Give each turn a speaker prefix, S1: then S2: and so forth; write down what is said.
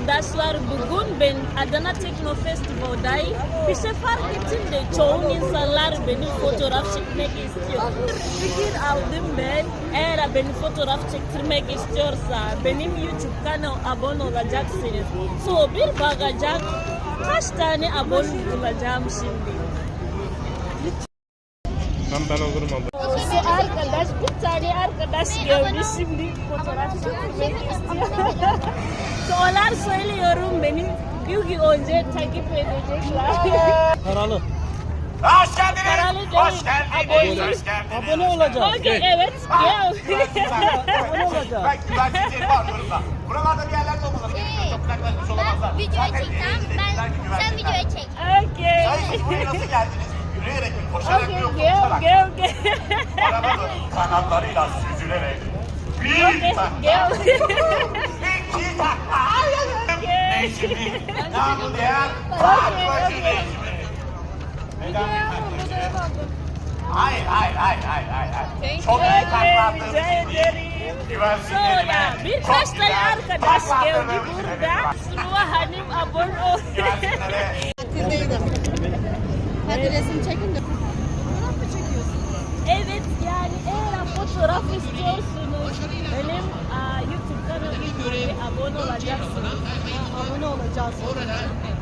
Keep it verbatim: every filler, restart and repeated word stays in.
S1: arkadaşlar, bugün ben Adana Tekno Festival'dayım. Bir şey fark ettim de çoğu insanlar benim fotoğraf çekmek istiyor. Fikir aldım ben. Eğer beni fotoğraf çektirmek istiyorsa benim YouTube kanal abone olacaksınız. So bir bakacak kaç tane abone bulacağım şimdi.
S2: Ben ben olurum abla.
S1: So arkadaş, bir tane arkadaş gördü şimdi fotoğraf çekmek istiyor. So onlar söylüyorum benim yılgi önce takip edecekler.
S3: Paralı.
S4: Hoş geldiniz.
S1: Paralı
S4: Hoş
S1: değil,
S4: geldiniz.
S1: abone.
S4: Hoş geldiniz.
S3: Abone olacağız.
S1: Okay, evet, gel.
S3: Abone olacağız.
S4: Ben güvenlikleri var burada. Buralarda bir yerlerde olmaları gerekiyor. Çok uzaklaşmış olamazlar.
S5: Ben videoya
S4: Zaten
S5: çekeceğim.
S4: izleyiciler
S5: Ben,
S4: güvenlikler.
S5: sen videoya çek.
S1: Okay.
S4: Sayın buraya nasıl geldiniz? Yürüyerek mi? Koşarak mı?
S1: Okay,
S4: Yoksa
S1: gel,
S4: uçarak mı?
S1: gel, gel.
S4: Arabanın kanatlarıyla süzülerek. Bir
S1: Okay,
S4: takla.
S1: gel.
S4: İki takla. Necmi. Namı değer. Fatmacı Necmi. Neden efendim? Hayır, hayır, hayır, hayır, hayır. hayır. Çok iyi taklandığınız
S1: Rica
S4: için değil.
S1: ederim.
S4: Güvenliklerime
S1: Sonra
S4: çok
S1: birkaç tane
S4: güzel
S1: arkadaş geldi
S4: taklandığınız için
S1: burada.
S4: efendim.
S1: Suluha Hanım abone ol.
S4: Güvenliklere
S5: Hadi resim çekin de. Fotoğraf mı çekiyorsun?
S1: Evet, yani eğer fotoğraf istiyorsunuz benim aa, YouTube kanalıma abone olacaksınız.
S3: Abone olacağız.